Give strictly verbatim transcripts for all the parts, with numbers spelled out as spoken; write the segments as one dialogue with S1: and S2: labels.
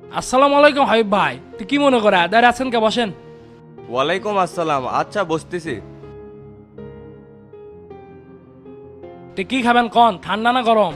S1: আসসালামু আলাইকুম হাবিব ভাই, তুই কি মনে করে দাঁড়িয়ে আছেন কে? বসেন।
S2: ওয়ালাইকুম আসসালাম। আচ্ছা বসতেছি।
S1: তুই কি খাবেন কন, ঠান্ডা না গরম?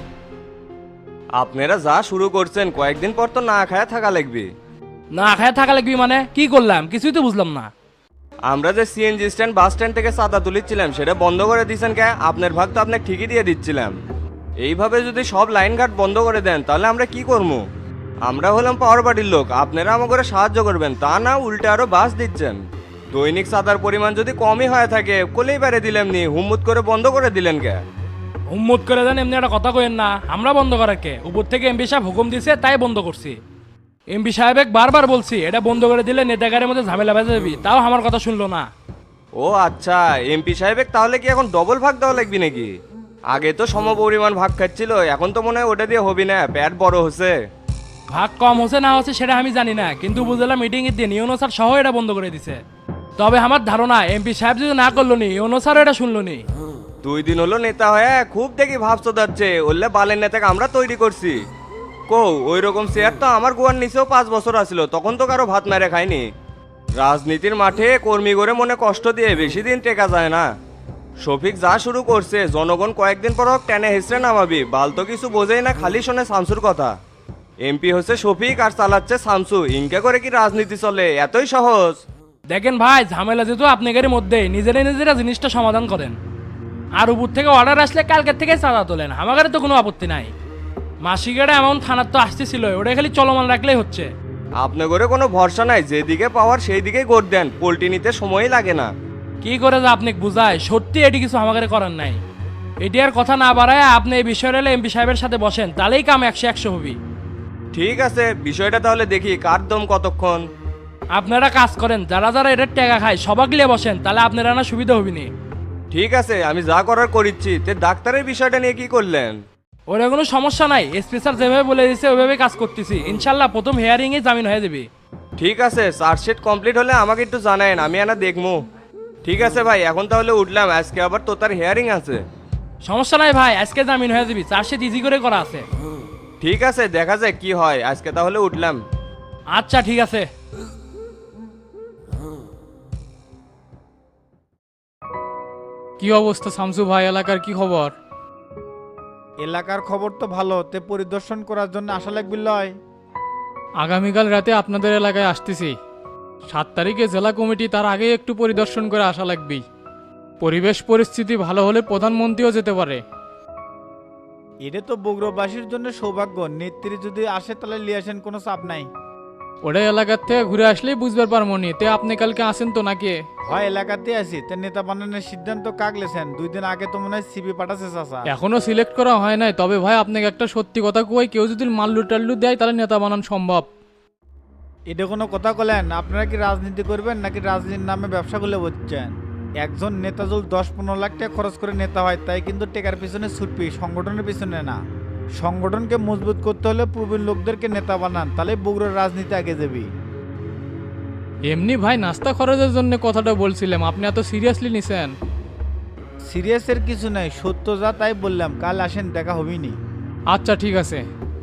S2: আপনারা যা শুরু করছেন কয়েকদিন পর তো না খায়া থাকা লাগবে।
S1: না খায় থাকা লাগবি মানে কি করলাম, কিছুই তো বুঝলাম না।
S2: আমরা যে সিএনজি স্ট্যান্ড বাস স্ট্যান্ড থেকে চাঁদা তুলিচ্ছিলাম সেটা বন্ধ করে দিয়েছেন কে? আপনার ভাগ তো আপনাকে ঠিকই দিয়ে দিচ্ছিলাম। এইভাবে যদি সব লাইন ঘাট বন্ধ করে দেন তাহলে আমরা কি করবো? আমরা হলাম পাওয়ার বাড়ির লোক, আপনারা আমাকে সাহায্য করবেন তা না উল্টে আরো বাস দিচ্ছেন। দৈনিক চাঁদার পরিমাণ যদি কমই হয়ে থাকে কোলেই বেড়ে দিলেন নি, হুম্মুত করে বন্ধ করে দিলেন কে?
S1: হুম্মত করে দেন এমনি একটা কথা কইেন না, আমরা বন্ধ করার কে? উপর থেকে এমপি সাহেব হুকুম দিছে তাই বন্ধ করছি। এমপি সাহেব বারবার বলছি এটা বন্ধ করে দিলে নেতাগারের মধ্যে ঝামেলা বেঁধে যাবি, তাও আমার কথা শুনলো না।
S2: ও আচ্ছা, এমপি সাহেবের তাহলে কি এখন ডবল ভাগ দেওয়া লাগবে নাকি? আগে তো সমপরিমাণ ভাগ খাচ্ছিল, এখন তো মনে হয় ওটা দিয়ে হবি না, পেট বড় হচ্ছে।
S1: ভাগ কম হচ্ছে না হচ্ছে সেটা আমি জানি না, কিন্তু বুঝলাম মিটিং এর দিন ইউনো স্যার সহ এটা বন্ধ করে দিছে। তবে আমার ধারণা এমপি সাহেব যদি না করলো নি ইউনো স্যার এটা শুনলো নি।
S2: দুই দিন হলো নেতা হয়ে খুব দেখি ভাবছো যাচ্ছে, ওল্লে বালের নেতাকে আমরা তৈরি করছি। কো ওই রকম চেয়ার তো আমার গোয়ার নিচেও পাঁচ বছর আসছিল, তখন তো কারো ভাত মেরে খায়নি। রাজনীতির মাঠে কর্মী করে মনে কষ্ট দিয়ে বেশি দিন টেকা যায় না। শফিক যা শুরু করছে জনগণ কয়েকদিন পর হোক টেনে হেসড়ে নামাবি, বাল তো কিছু বোঝেই না, খালি শোনে শামসুর কথা। এমপি হচ্ছে শফিক আর চালাচ্ছে শামসু, ইনকে করে কি রাজনীতি চলে? এতই সহজ?
S1: দেখেন ভাই, ঝামেলা যেহেতু আপনাদের মধ্যে নিজেরা নিজেরা জিনিসটা সমাধান করেন। আর উপর থেকে অর্ডার আসলে কালকের থেকে চাঁদা তোলেন, আমাদের তো কোনো আপত্তি নাই। মাসিকেরা এমন থানার তো আসতেছিল, ওটা খালি চলমান রাখলেই হচ্ছে।
S2: আপনার করে কোনো ভরসা নাই, যেদিকে পাওয়ার সেই দিকেই গড় দেন, পোল্টি নিতে সময়ই লাগে না।
S1: কি করে যে আপনি বুঝায়, সত্যি এটি কিছু আমাদের করার নাই। এটি আর কথা না বাড়ায় আপনি এই বিষয়টা এমপি সাহেবের সাথে বসেন, তাহলেই কাম একশো একশো হবি।
S2: ঠিক আছে, বিষয়টা তাহলে দেখি কার দম কতক্ষণ।
S1: আপনারা কাজ করেন, যারা যারা এটার টাকা খায় সবাক লিয়ে বসেন, তাহলে আপনারা না সুবিধা হবিনি।
S2: ঠিক আছে, আমি যা করার করিচ্ছি। তে ডাক্তারের বিষয়টা নিয়ে কি করলেন?
S1: ওরা কোনো সমস্যা নাই, এসপি স্যার যেভাবে বলে দিয়েছে ওইভাবে কাজ করতেছি, ইনশাল্লাহ প্রথম হেয়ারিং এ জামিন হয়ে যাবে।
S2: ঠিক আছে, চার্জশিট কমপ্লিট হলে আমাকে একটু জানায়েন, আমি আনা দেখবো। ঠিক আছে ভাই, এখন তাহলে উঠলাম, আজকে আবার তো তার হেয়ারিং আছে।
S1: সমস্যা নাই ভাই, আজকে জামিন হয়ে যাবি, চার্জশিট ইজি করে করা আছে।
S2: ঠিক আছে, দেখা যাক কি হয়, আজকে তাহলে উঠলাম।
S1: আচ্ছা ঠিক আছে।
S3: কি অবস্থা শামসু ভাই, এলাকার কি খবর?
S4: এলাকার খবর তো ভালো, তে পরিদর্শন করার জন্য আশা লাগবে লয়।
S3: আগামীকাল রাতে আপনাদের এলাকায় আসতেছি। সাত তারিখে জেলা কমিটি, তার আগে একটু পরিদর্শন করে আসা লাগবেই। পরিবেশ পরিস্থিতি ভালো হলে প্রধানমন্ত্রীও যেতে পারে।
S4: এটা তো বগুড়াবাসীর জন্য সৌভাগ্য, নেত্রী যদি আসে তাহলে লিয়ে আসেন, কোনো চাপ নাই।
S3: ওটা এলাকার থেকে ঘুরে আসলেই বুঝবার পারবো নি। তে আপনি কালকে আসেন তো নাকি?
S4: হয় এলাকাতে আছি, তে নেতা বানানোর সিদ্ধান্ত কাকলেছেন, দুই দিন আগে তো মনে হয় সিবি পাঠাচ্ছে চাচা।
S3: এখনো সিলেক্ট করা হয় নাই, তবে ভাই আপনাকে একটা সত্যি কথা কই, কেউ যদি মাল্লু টাল্লু দেয় তাহলে নেতা বানানো সম্ভব।
S4: এটা কোনো কথা বলেন? আপনারা কি রাজনীতি করবেন নাকি রাজনীতির নামে ব্যবসা করলে বলছেন? একজন নেতা যদি দশ পনেরো লাখ টাকা খরচ করে নেতা হয়, তাই কিন্তু টেকার পিছনে ছুটবি, সংগঠনের পিছনে না। সংগঠনকে মজবুত করতে হলে প্রবীণ লোকদেরকে নেতা বানান, তাহলে বগুড়ার রাজনীতি আগে যাবি।
S3: এমনি ভাই নাস্তা খরচের জন্য কথাটা বলছিলাম, আপনি এত সিরিয়াসলি নিছেন?
S4: সিরিয়াসের কিছু নাই, সত্য যা তাই বললাম, কাল আসেন, দেখা হবিনি।
S3: আচ্ছা ঠিক আছে।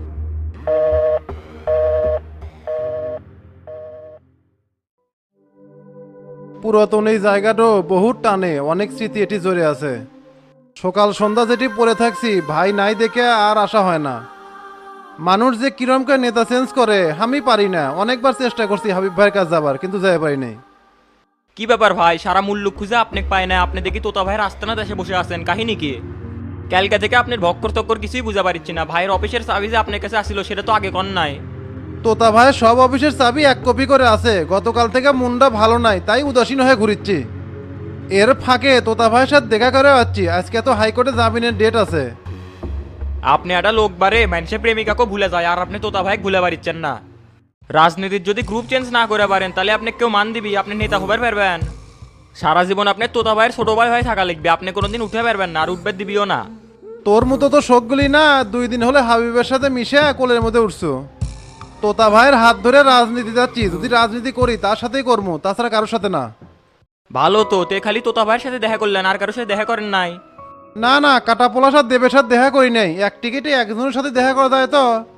S5: পুরাতন এই জায়গাটাও বহুত টানে, অনেক স্মৃতি এটি জড়ে আছে। সকাল সন্ধ্যা যেটি পড়ে থাকছি, ভাই নাই দেখে আর আসা হয় না। মানুষ যে কিরম করে নেতা চেঞ্জ করে আমি পারি না, অনেকবার চেষ্টা করছি হাবিব ভাইয়ের কাছে যাবার, কিন্তু যাই পারি নাই।
S6: কি ব্যাপার ভাই, সারা মূল্য খুঁজে আপনি পায় না, আপনি দেখি তোতা ভাইয়ের আস্তানা দেশে বসে আছেন, কাহিনী কি? ক্যালকা থেকে আপনার ভক্কর তক্কর কিছুই বুঝা পারছি না। ভাইয়ের অফিসের চাবি যে আপনার কাছে আসিল সেটা তো আগে কন নাই।
S5: তোতা ভাইয়ের সব অফিসের চাবি এক কপি করে আছে, গতকাল থেকে মনটা ভালো নাই তাই উদাসীন হয়ে ঘুরিচ্ছি। এর ফাঁকে তোতা ভাইয়ের সাথে দেখা করে যাচ্ছি, আজকে তো হাইকোর্টে জামিনের ডেট আছে।
S6: আপনি একটা লোক বারে মানুষের প্রেমিকাকে ভুলে যায়, আর আপনি তোতা ভাই ভুলে পারছেন না। রাজনীতির যদি গ্রুপ চেঞ্জ না করে পারেন তাহলে আপনি কেউ মান দিবি, আপনি নেতা হবার পারবেন? সারা জীবন আপনি তোতা ভাইয়ের ছোট ভাই হয়ে থাকা লিখবে, আপনি কোনোদিন উঠে পারবেন না, আর উঠবে দিবিও না।
S5: তোর মতো তো শোকগুলি না, দুই দিন হলে হাবিবের সাথে মিশে কোলের মধ্যে উঠছো। তোতা ভাইয়ের হাত ধরে রাজনীতি যাচ্ছি, যদি রাজনীতি করি তার সাথেই করবো, তাছাড়া কারোর সাথে না।
S6: ভালো তো, তে খালি তোতা ভাইয়ের সাথে দেখা করলেন, আর কারোর সাথে দেখা করেন নাই?
S5: না না, কাটাপোলার সাথে দেবের সাথে দেখা করি নাই, এক টিকিটে একজনের সাথে দেখা করা যায় তো।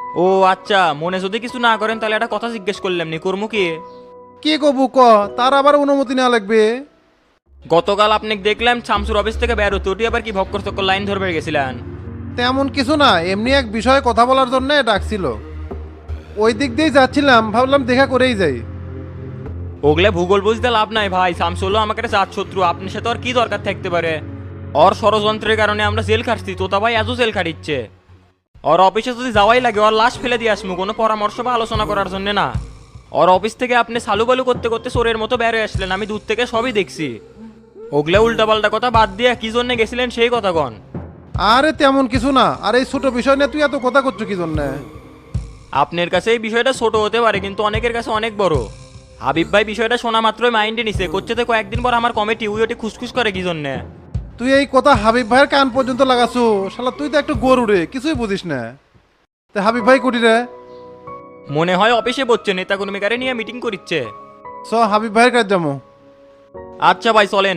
S6: ও আচ্ছা, মনে যদি কিছু না করেন তাহলে একটা কথা জিজ্ঞেস করলাম নি, কর্ম কি?
S5: কি কবু ক, তার আবার অনুমতি নেওয়া লাগবে?
S6: গতকাল আপনি দেখলাম শামসুর অফিস থেকে বের হতে, ওটি আবার কি ভক্কর চক্কর লাইন ধরবে গেছিলেন?
S5: তেমন কিছু না, এমনি এক বিষয়ে কথা বলার জন্য ডাকছিল। ওই দিক দিয়েই যাচ্ছিলাম, ভাবলাম দেখা করেই যাই।
S6: ওগুলা ভূগোল বুঝতে লাভ নাই ভাই, শামসু হলো আমাকে একটা জাত শত্রু, আপনার সাথে আর কি দরকার থাকতে পারে? ওর ষড়যন্ত্রের কারণে আমরা জেল খাটছি, তোতা ভাই আজও জেল খাটিচ্ছে। ওর অফিসে যদি যাওয়াই লাগে ওর লাশ ফেলে দিয়ে আসমু, কোনো পরামর্শ বা আলোচনা করার জন্য না। ওর অফিস থেকে আপনি সালু বালু করতে করতে চোরের মতো বের হয়ে আসলেন, আমি দূর থেকে সবই দেখছি। ওগুলা উল্টাপাল্টা কথা বাদ দিয়ে কি জন্য গেছিলেন সেই কথা কন।
S5: আরে তেমন কিছু না, আর এই ছোট বিষয় নিয়ে তুই এত কথা করছো কি জন্য?
S6: আপনার কাছে এই বিষয়টা ছোট হতে পারে কিন্তু অনেকের কাছে অনেক বড়। হাবিব ভাই বিষয়টা শোনা মাত্রই মাইন্ডে নিছে, করছে তো কয়েকদিন পর আমার কমিটি উই ওটি খুসখুস করে কি জন্যে।
S5: তুই এই কথা হাবিব ভাইয়ের কান পর্যন্ত লাগাছো? শালা তুই তো একটু গরু রে, কিছুই বুঝিস না। তা হাবিব ভাই কুটি রে?
S6: মনে হয় অফিসে বসছে, নেতা কর্মীকারে নিয়ে মিটিং করিচ্ছে।
S5: চ হাবিব ভাইয়ের কাজ যাবো।
S6: আচ্ছা ভাই চলেন।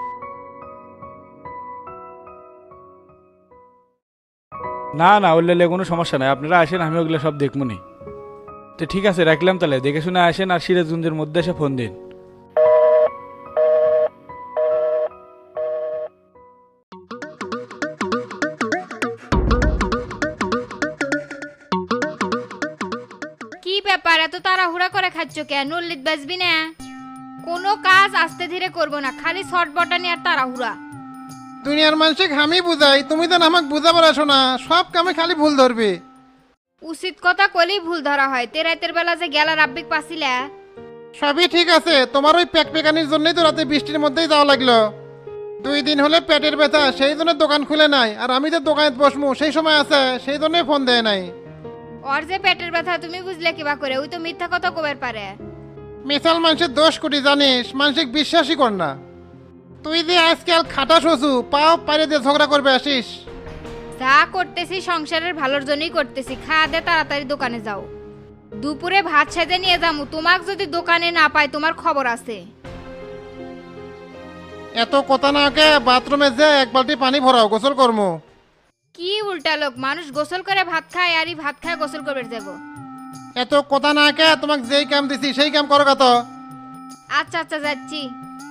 S7: না না, ওগুলো কোনো সমস্যা নাই, আপনারা আসেন, আমি ওগুলো সব দেখবনি। তো ঠিক আছে, রাখলাম তাহলে, দেখে শুনে আসেন আর সিরাজগঞ্জের মধ্যে এসে ফোন দিন।
S8: কি ব্যাপার এত তাড়াহুড়া করে খাচ্ছ কেন? নল্লিত বাজবি না? কোনো কাজ আস্তে ধীরে করবো না, খালি শর্ট বটানি আর তাড়াহুড়া।
S5: দুনিয়ার মানুষকে আমি বুঝাই, তুমি তো আমাকে বুঝাবার আসো না, সব কামে খালি ভুল ধরবে।
S8: উচিত কথা কলেই ভুল ধরা হয়। তে রাতের বেলা যে গেলা রাব্বিক পাছিলা।
S5: সবই ঠিক আছে, তোমার ওই প্যাক পেকানির জন্যই তো রাতে বৃষ্টির মধ্যেই যাওয়া লাগলো। দুই দিন হলে পেটের ব্যথা, সেই জন্য দোকান খুলে নাই, আর আমি যে দোকানে বসমু সেই সময় আছে, সেই জন্যই ফোন দেয় নাই।
S8: ওর যে পেটের ব্যথা তুমি বুঝলে কিবা করে? ওই তো মিথ্যা কথা কবার পারে।
S5: মিসাল মানুষের দোষ কোটি জানিস, মানসিক বিশ্বাসই কর না। তুই যে আজকাল খাটা শোষু, পাও পারে দিয়ে ঝগড়া করবে আসিস।
S8: যা করতেছি সংসারের ভালোর জন্যই করতেছি। খাওয়া দে তাড়াতাড়ি দোকানে যাও। দুপুরে ভাত সেজে নিয়ে যামু, তোমাক যদি দোকানে না পাই তোমার খবর আছে।
S5: এত কথা না কে, বাথরুমে যে এক বালতি পানি ভরাও, গোসল করবো।
S8: কি উল্টা লোক, মানুষ গোসল করে ভাত খায় আর এই ভাত খায় গোসল করবে যাব।
S5: এত কথা না কে, তোমাকে যেই কাম দিছি সেই কাম করো কত।
S8: আচ্ছা আচ্ছা যাচ্ছি।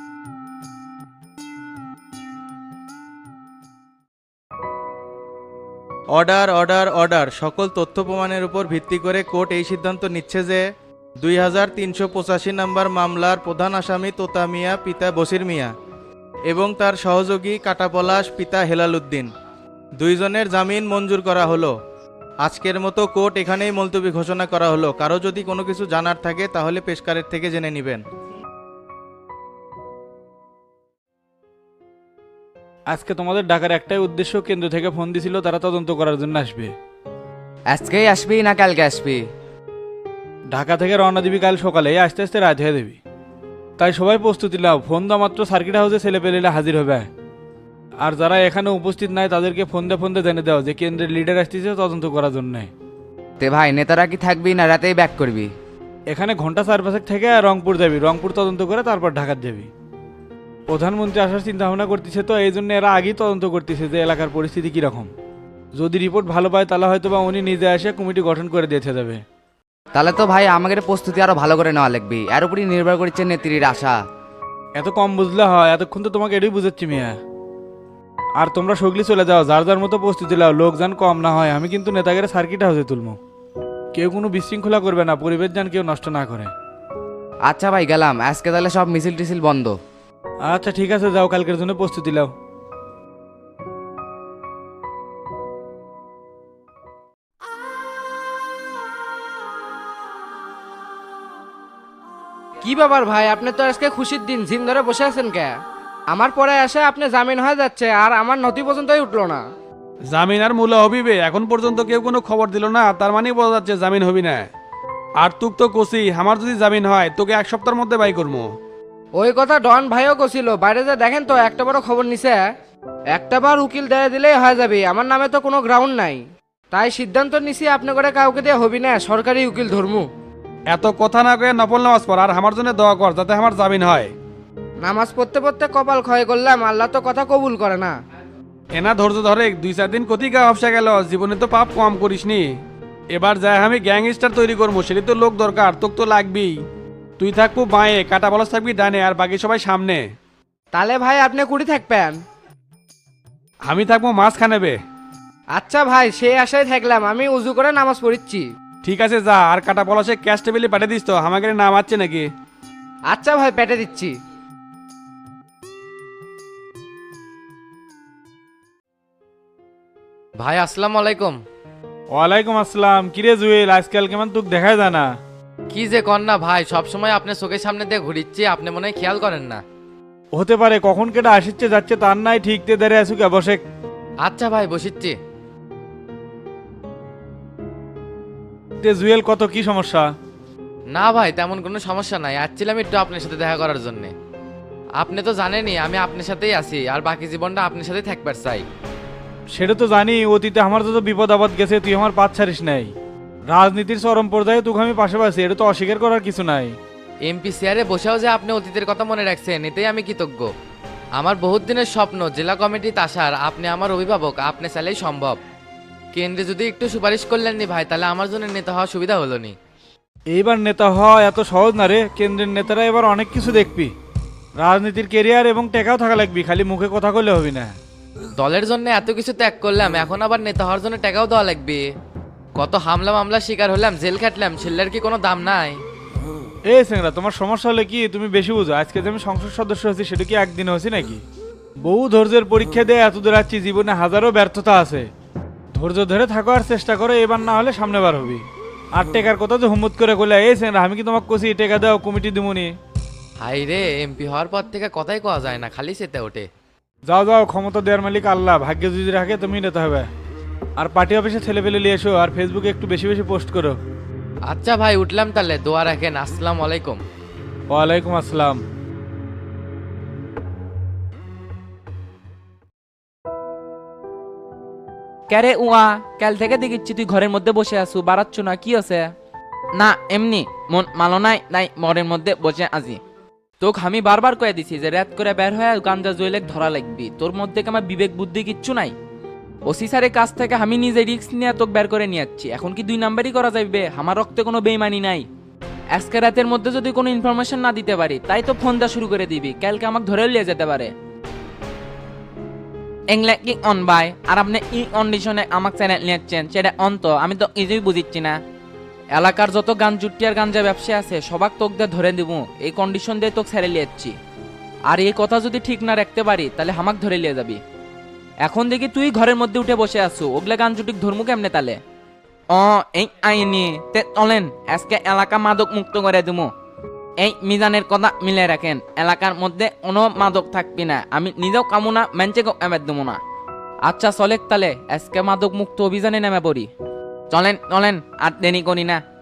S9: অর্ডার অর্ডার অর্ডার সকল তথ্য প্রমাণের উপর ভিত্তি করে কোর্ট এই সিদ্ধান্ত নিচ্ছে যে দুই হাজার তিনশো পঁচাশি নম্বর মামলার প্রধান আসামি তোতা মিয়া পিতা বসির মিয়া এবং তার সহযোগী কাটাপলাশ পিতা হেলাল উদ্দিন দুইজনের জামিন মঞ্জুর করা হলো। আজকের মতো কোর্ট এখানেই মুলতবি ঘোষণা করা হলো। কারো যদি কোনো কিছু জানার থাকে তাহলে পেশকারের থেকে জেনে নেবেন।
S7: আজকে তোমাদের ডাকার একটাই উদ্দেশ্য, কেন্দ্র থেকে ফোন দিছিল, তারা তদন্ত করার জন্য আসবে।
S10: আজকেই আসবি না কালকে আসবি?
S7: ঢাকা থেকে রওনা দিবি কাল সকালে, আস্তে আস্তে রাত হয়ে দেবি। তাই সবাই প্রস্তুতি নাও, ফোন দেওয়া মাত্র সার্কিট হাউসে ছেলে পেলেরা হাজির হবে। আর যারা এখানে উপস্থিত নাই তাদেরকে ফোন দিয়ে ফোন দিয়ে জেনে দাও যে কেন্দ্রের লিডার আসতেছে তদন্ত করার জন্য।
S10: তে ভাই নেতারা কি থাকবি না রাতেই ব্যাক করবি?
S7: এখানে ঘন্টা চার পাঁচেক থেকে রংপুর যাবি, রংপুর তদন্ত করে তারপর ঢাকার যাবি। প্রধানমন্ত্রী আসার চিন্তা ভাবনা করতেছে, তো এই জন্য এরা আগেই তদন্ত করতেছে যে এলাকার পরিস্থিতি কীরকম। যদি রিপোর্ট ভালো পায় তাহলে হয়তো বা উনি নিজে এসে কমিটি গঠন করে দিয়েছে যাবে।
S10: তাহলে তো ভাই আমাদের প্রস্তুতি আরো ভালো করে নেওয়া লাগবে, এর উপরই নির্ভর করছে নেত্রীর আশা।
S7: এত কম বুঝলে হয়? এতক্ষণ তো তোমাকে এটাই বুঝাচ্ছি মিয়া। আর তোমরা সগলি চলে যাও, যার যার মতো প্রস্তুতি নাও, লোকজন কম না হয়। আমি কিন্তু নেতাগের সার্কিট হাউসে তুলবো, কেউ কোনো বিশৃঙ্খলা করবে না, পরিবেশ যেন কেউ নষ্ট না করে।
S10: আচ্ছা ভাই গেলাম, আজকে তাহলে সব মিছিল টিছিল বন্ধ।
S7: আচ্ছা ঠিক আছে, যাও, কালকের জন্য প্রস্তুতি নাও।
S11: কি ব্যাপার ভাই, আপনি তো আজকে খুশির দিন, জিম ধরে বসে আছেন কে? আমার পরে এসে আপনি জামিন হয়ে যাচ্ছে আর আমার নথি পর্যন্তই উঠলো না।
S7: জামিন আর মূল্য হবিবে, এখন পর্যন্ত কেউ কোনো খবর দিল না, তার মানেই বোঝা যাচ্ছে জামিন হবি না। আর তুক তো কষি, আমার যদি জামিন হয় তোকে এক সপ্তাহের মধ্যে বাই করবো।
S11: ওই কথা ডন ভাইও কছিল, বাইরে যে দেখেন তো একটা বড় খবর নিছে, একটা বার উকিল দেয় দিলেই হয়ে যাবে, আমার নামে তো কোনো গ্রাউন্ড নাই। তাই সিদ্ধান্ত নিছি আপনি করে কাউকে দিয়ে হবি না, সরকারি উকিল ধর্মু।
S7: এত কথা না কয়ে নফল নামাজ পড় আর আমার জন্য দোয়া কর যাতে আমার জামিন হয়।
S11: নামাজ পড়তে পড়তে কপাল ক্ষয় করলাম, আল্লাহ তো কথা কবুল করে না।
S7: এনা ধৈর্য ধরে দুই চার দিন কতি গা হফসা গেল, জীবনে তো পাপ কম করিসনি। এবার যাই আমি গ্যাংস্টার তৈরি করবো, সেটা তো লোক দরকার, তোক তো লাগবেই। তুই থাকবো বাঁয়ে, কাটা বলস থাকবি ডানে, আর বাকি সবাই সামনে।
S11: তাহলে ভাই আপনি কুড়ি থাকবেন।
S7: আমি থাকবো মাঝখানে বে।
S11: আচ্ছা ভাই, সেই আশায় থাকলাম, আমি উজু করে নামাজ পড়িচ্ছি।
S7: ঠিক আছে যা, আর কাটা বলসে ক্যাশ টেবিলে পাঠিয়ে দিস তো, আমাকে নাম আছে নাকি?
S11: আচ্ছা ভাই, পেটে দিচ্ছি।
S10: ভাই আসসালামু আলাইকুম।
S7: ওয়ালাইকুম আসসালাম। কিরে জুয়েল, আজকাল কেমন তোক দেখাই যায় না?
S10: কি যে কর না ভাই, সবসময় আপনার চোখের সামনে দিয়ে ঘুরিচ্ছি, আপনি মনে হয় খেয়াল করেন না।
S7: হতে পারে, কখন কেটে আসিচ্ছে যাচ্ছে তার নাই ঠিক তে দাঁড়িয়ে আসুক অবশ্যই।
S10: আচ্ছা ভাই, বসিচ্ছি।
S7: তে জুয়েল, কত কি সমস্যা?
S10: না ভাই, তেমন কোনো সমস্যা নাই, আসছিলাম একটু আপনার সাথে দেখা করার জন্য। আপনি তো জানেনই আমি আপনার সাথেই আছি, আর বাকি জীবনটা আপনার সাথেই থাকবার চাই।
S7: সেটা তো জানি, অতীতে আমার যত বিপদ আপদ গেছে তুই আমার পাত ছাড়িস নাই। রাজনীতির চরম পর্যায়ে তোকে আমি পাশে পাচ্ছি, এটা তো অস্বীকার করার কিছু নাই।
S10: এমপি চেয়ারে বসেও যে আপনি অতীতের কথা মনে রাখছেন, এতেই আমি কৃতজ্ঞ। আমার বহুত দিনের স্বপ্ন জেলা কমিটিতে আসার, আপনি আমার অভিভাবক, আপনি চাইলেই সম্ভব। কেন্দ্রে যদি একটু সুপারিশ করলেন নি ভাই, তাহলে আমার জন্য নেতা হওয়া সুবিধা হলো নি।
S7: এইবার নেতা হওয়া এত সহজ না রে, কেন্দ্রের নেতারা এবার অনেক কিছু দেখবি। রাজনীতির কেরিয়ার এবং টেকাও থাকা লাগবি, খালি মুখে কথা কইলে হবি না।
S10: দলের জন্য এত কিছু ত্যাগ করলাম, এখন আবার নেতা হওয়ার জন্য টাকাও দেওয়া লাগবে। কত হামলা মামলা শিকার হলাম, জেল খাটলাম, ছেলের কি কোনো দাম নাই?
S7: এই সেংরা, তোমার সমস্যা হলে কি তুমি বেশি বুঝো? আজকে যে আমি সংসদ সদস্য হচ্ছি সেটা কি একদিনে হচ্ছি নাকি? বহু ধৈর্যের পরীক্ষা দিয়ে এত দূর আসছি, জীবনে হাজারো ব্যর্থতা আছে। ধৈর্য ধরে থাকো আর চেষ্টা করো, এবার না হলে সামনে বার হবি। আর টেকার কথা যে হুম্মত করে কইলা, এই সেংরা আমি কি তোমাকে কছি টেকা দাও কমিটি দিমুনি?
S10: হাই রে, এমপি হওয়ার পর থেকে কথাই কওয়া যায় না, খালি চেতে ওঠে।
S7: যাও যাও, ক্ষমতা দেওয়ার মালিক আল্লাহ, ভাগ্যে যদি রাখে তুমি নিতে হবে। আর পার্টি অফিসে ছেলে পেলে নিয়ে এসো, আর ফেসবুকে একটু বেশি বেশি পোস্ট করো।
S10: আচ্ছা ভাই, উঠলাম তাহলে, দোয়া রাখেন। আসসালামু আলাইকুম।
S7: ওয়ালাইকুম আসসালাম।
S12: ক্যারে উয়া, কাল থেকে দেখিচ্ছি তুই ঘরের মধ্যে বসে আছু, বাড়াচ্ছ না, কি আছে? না এমনি মন মালো নাই, নাই মরের মধ্যে বসে আছি। তোকে আমি বারবার কয়ে দিছি যে রাত করে বের হয়ে গাঞ্জা জুয়েলেক ধরা লাগবি, তোর মধ্যে কি আমার বিবেক বুদ্ধি কিচ্ছু নাই? ওসি স্যারের কাছ থেকে আমি নিজে রিস্ক নিয়ে তোকে বের করে নিয়ে যাচ্ছি, এখন কি দুই নাম্বারই করা যাবে? আমার রক্তে কোনো বেইমানি নাই। আজকে রাতের মধ্যে যদি কোনো ইনফরমেশন না দিতে পারি, তাই তো ফোন দেওয়া শুরু করে দিবি, কালকে আমাকে ধরে নিয়ে যেতে পারে। এংলে কি অন বাই, আর আপনি ই কন্ডিশনে আমাকে চ্যানেল নিয়েছেন, সেটা অন তো আমি তো কিছুই বুঝিচ্ছি না। এলাকার যত গান জুটি আর গাঞ্জা ব্যবসা আছে সবাক তোক দিয়ে ধরে দিব, এই কন্ডিশন দিয়ে তোকে ছেড়ে লিয়েছি। আর এই কথা যদি ঠিক না রাখতে পারি, তাহলে হামাক ধরে লিয়ে যাবি। এখন দেখি তুই ঘরের মধ্যে উঠে বসে আছো, ওগুলা গান জুটি ধর্মু কেমনে তালে? অ এই আইনি তে চলেন, আজকে এলাকা মাদক মুক্ত করে দিমু। এই মিজানের কথা মিলে রাখেন, এলাকার মধ্যে কোনো মাদক থাকবি না, আমি নিজেও কামু না, মেঞ্চেকেও এমের দেবো না। আচ্ছা চলেক তালে, আজকে মাদক মুক্ত অভিযানে নেমে পড়ি। চলেন চলেন, আর দেরি করি না।